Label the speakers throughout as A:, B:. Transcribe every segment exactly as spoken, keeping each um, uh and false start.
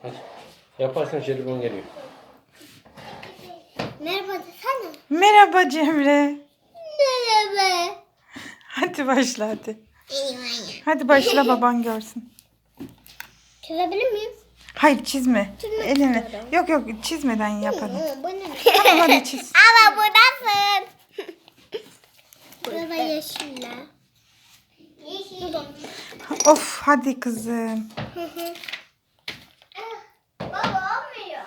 A: Hadi. Yaparsan jelibon geliyor.
B: Merhaba desene.
C: Merhaba Cemre.
B: Merhaba.
C: Hadi başla hadi. Hadi başla baban görsün.
B: Çizebilir miyim?
C: Hayır çizme.
B: Çizmek
C: Eline.
B: istiyorum.
C: Yok yok çizmeden yap hadi.
B: Bu ne?
C: Tamam hadi çiz.
B: Ama bu nasıl? Burada yeşiller. Yeşil.
C: Of hadi kızım.
B: Baba olmuyor.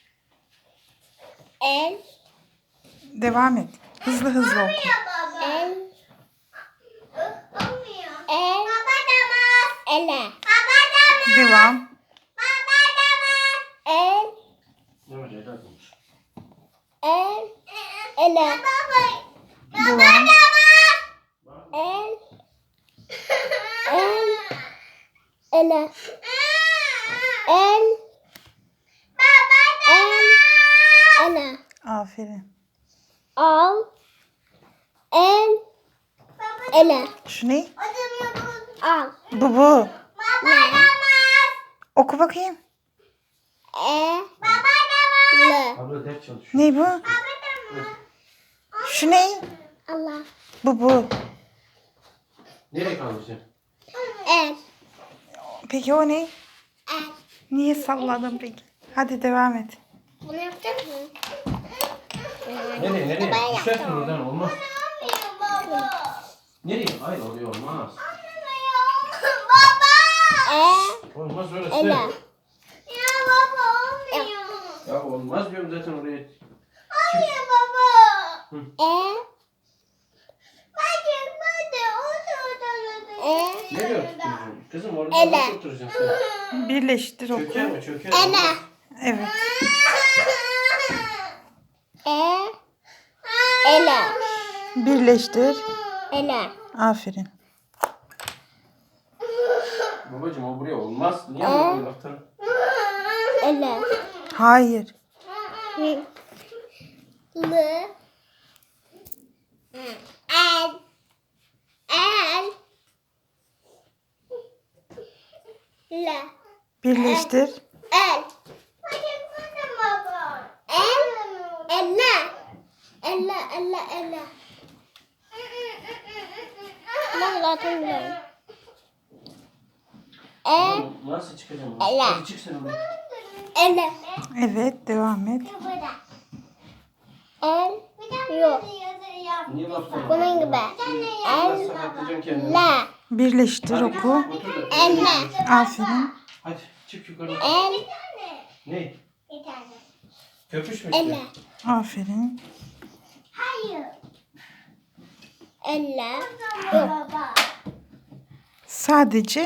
B: El.
C: Devam et. Hızlı hızlı oku.
B: Baba. El. Olmuyor. El. Baba damaz. Ele. Baba damaz.
C: Devam.
B: Baba damaz. El.
A: Ne var helal olmuş.
B: El. Ele. Baba.
C: Devam.
B: El. El. Ele. El. El. Ele.
C: Aferin.
B: Al. El. Ele.
C: Şu ne?
B: Al.
C: Bu bu.
B: Ne?
C: Oku bakayım.
B: E. L.
A: Abla ders çalışıyor.
C: Ne bu? Şu ne?
B: Allah.
C: Bu bu.
A: Nereye kalmışsın?
B: El.
C: Peki o ne?
B: El.
C: Niye salladın peki? Hadi devam et.
B: Bunu yapacak mısın?
A: Nereye nereye?
B: Ben
A: Düşersin
B: yaptım.
A: buradan olmaz. Nereye? Hayır oraya olmaz.
B: E.
A: Olmaz orası.
B: Ele.
A: Ya olmaz diyorum zaten oraya.
B: E. E.
A: Nereye oturacaksın? Kızım orada
B: Ele.
A: nasıl oturacaksın sen?
C: Birleştir oku.
A: Çöker mi? Çöker
B: Ele.
A: mi?
C: Evet.
B: E. Ele.
C: Birleştir.
B: Ele.
C: Aferin.
A: Babacım o buraya olmaz. Niye
B: Ee?
A: buraya baktın?
B: Ele.
C: Hayır.
B: L. El. El. L.
C: Birleştir.
B: El. El. Elle. Elle, elle, elle. Ben zaten biliyorum. El.
A: Oğlum, nasıl çıkacağım?
B: Ele.
A: Hadi çık sen oraya.
B: Elle.
C: Evet devam et.
B: El. Yok.
A: Niye baktın?
B: Bunun gibi.
A: Nasıl
B: El.
A: sakatleyeceksin kendini?
B: La.
C: Birleştir oku.
A: Otur da.
B: Elle.
C: Aferin.
A: Hadi çık yukarı.
B: El.
A: Ne? Köpüş mü
B: Elle.
A: işte?
C: Aferin.
B: Hayır. Elle. Yok.
C: Sadece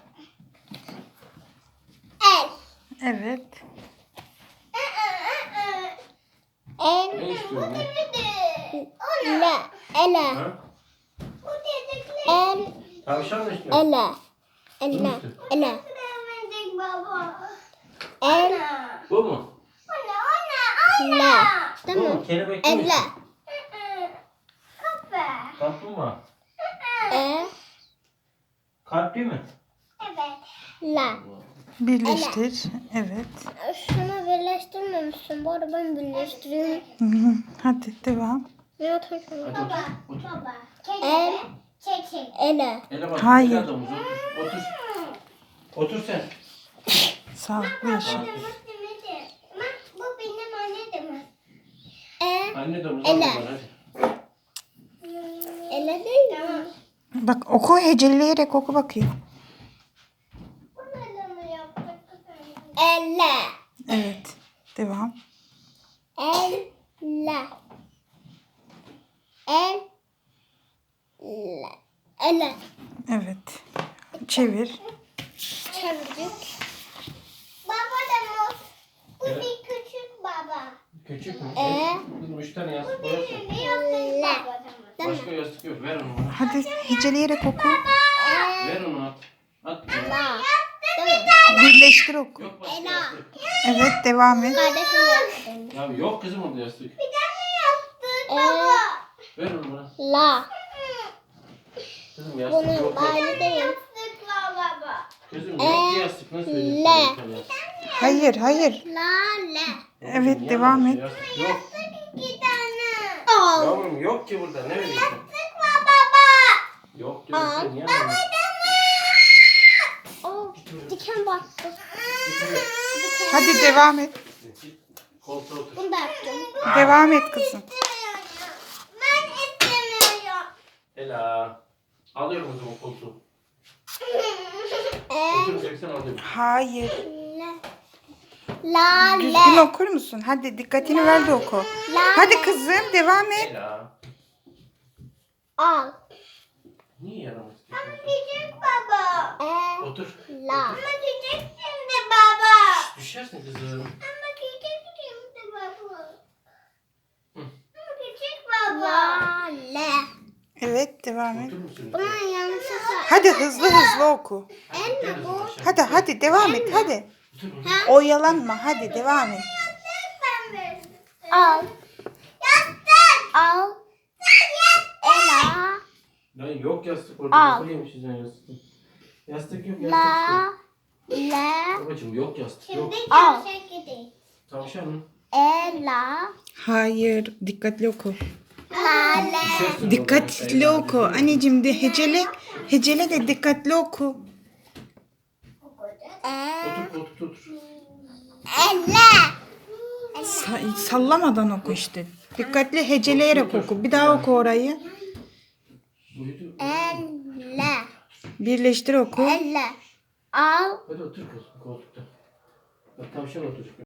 B: El.
C: evet.
B: El.
A: Ne istiyorsun? Ne?
B: La. Elle.
A: Ha?
B: El.
A: Tavşan mı istiyorsun?
B: Elle. Elle. Elle. El.
A: Bu mu?
B: La.
A: Bu
B: Tamam.
A: mu? Kelebek mi?
B: Elle.
A: istiyorsun? Kaplumbağa.
B: E.
A: Kalpli mi?
B: La.
C: Birleştir. Evet.
B: Şunu birleştirmemişsin. Bu arada ben birleştireyim.
C: Hı hı. Hadi devam.
B: Ne atayım?
A: Hadi otur. Otur.
B: El. Ele.
A: Ele bak.
C: Hayır.
A: ele adamız, Otur. Otur. Otur sen.
C: Sağlıklı yaşa.
B: Bu benim annem. E.
A: Anne domuz.
B: Ele.
A: Hadi.
B: Ele değil mi?
C: Bak oku heceleyerek oku bakayım.
B: Elle.
C: Evet. Devam.
B: Elle. El. Le. Elle.
C: Evet. Çevir.
B: Çevirdik. Baba da mı? Bu
A: Evet.
B: bir küçük baba.
A: Küçük mü?
B: Ee?
A: Kızım üç tane yastık koyarsın.
B: Le.
A: Başka yastık yok. Ver onu bana.
C: Hadi heceleyerek oku.
B: E.
A: Ver onu at. At.
B: La.
C: Birleştir oku.
A: Yok başka
B: Ela.
A: yastık.
C: Evet devam et.
B: Kardeşim yaptım.
A: Ya yok kızım orada yastık.
B: E.
A: Ver onu bana.
B: La.
A: Kızım yastık
B: Bunun
A: yok. yok.
B: aynı değil.
A: Kızım yok ki yastık. Nasıl öyle?
B: Le.
C: Hayır hayır.
B: La le.
C: Evet,
A: Niye
C: devam
A: yanlış?
C: et.
A: Yastık yok.
B: İki tane. Al.
A: Yavrum yok ki burada. Ne veriyorsun?
B: Sıkma baba.
A: Yok diyorum
B: Al.
A: sen niye anlamıyorsun?
B: Oh, diken battı.
C: Hadi devam et.
A: Git koltuğa otur.
B: Bunu da yaptım.
C: Devam et kızım.
B: Ben istemiyorum.
A: Ela. Alıyorum o zaman koltuğu.
B: Ee,
A: Oturacaksan alıyorum.
C: Hayır.
B: La
C: Düzgün
B: le.
C: okur musun? Hadi dikkatini ver de oku.
B: La
C: Hadi
B: le.
C: kızım devam et.
A: Ela.
B: Al.
A: Niye yaramaz istiyorsun?
B: Küçük baba. Ee,
A: Otur.
B: la. Ama küçük şimdi baba.
A: Düşersin kızım.
B: Ama küçük şimdi baba.
A: Hı.
B: Ama küçük baba. La le.
C: Evet devam et.
A: Otur musun?
B: Bunun yanlışı sa.
C: Hadi hızlı hızlı oku.
B: Elma bu.
C: Hadi hadi devam et hadi.
A: Otur otur.
C: Oyalanma hadi devam et.
B: Al. Yastık. Al. Ela.
A: Lan yok yastık orada.
B: Al.
A: Nasıl yemişiz yani yastık? Yastık yok yastık
B: La.
A: yok.
B: Le.
A: Babacım yok yastık yok.
B: Al.
A: Tavşan.
B: Ela.
C: Hayır dikkatli oku.
B: La le.
A: Düşersin
C: Dikkatli
A: oradan.
C: oku. Anneciğim de hecele. Hecele de dikkatli oku.
B: E.
A: Otur koltukta otur.
B: Ela.
C: Sa- sallamadan oku işte. Dikkatli heceleyerek oku. Bir daha oku orayı.
A: Uyudu.
B: Ela.
C: Birleştir oku.
B: Ela. Al.
A: Hadi otur kızım koltukta. Bak tavşan otur.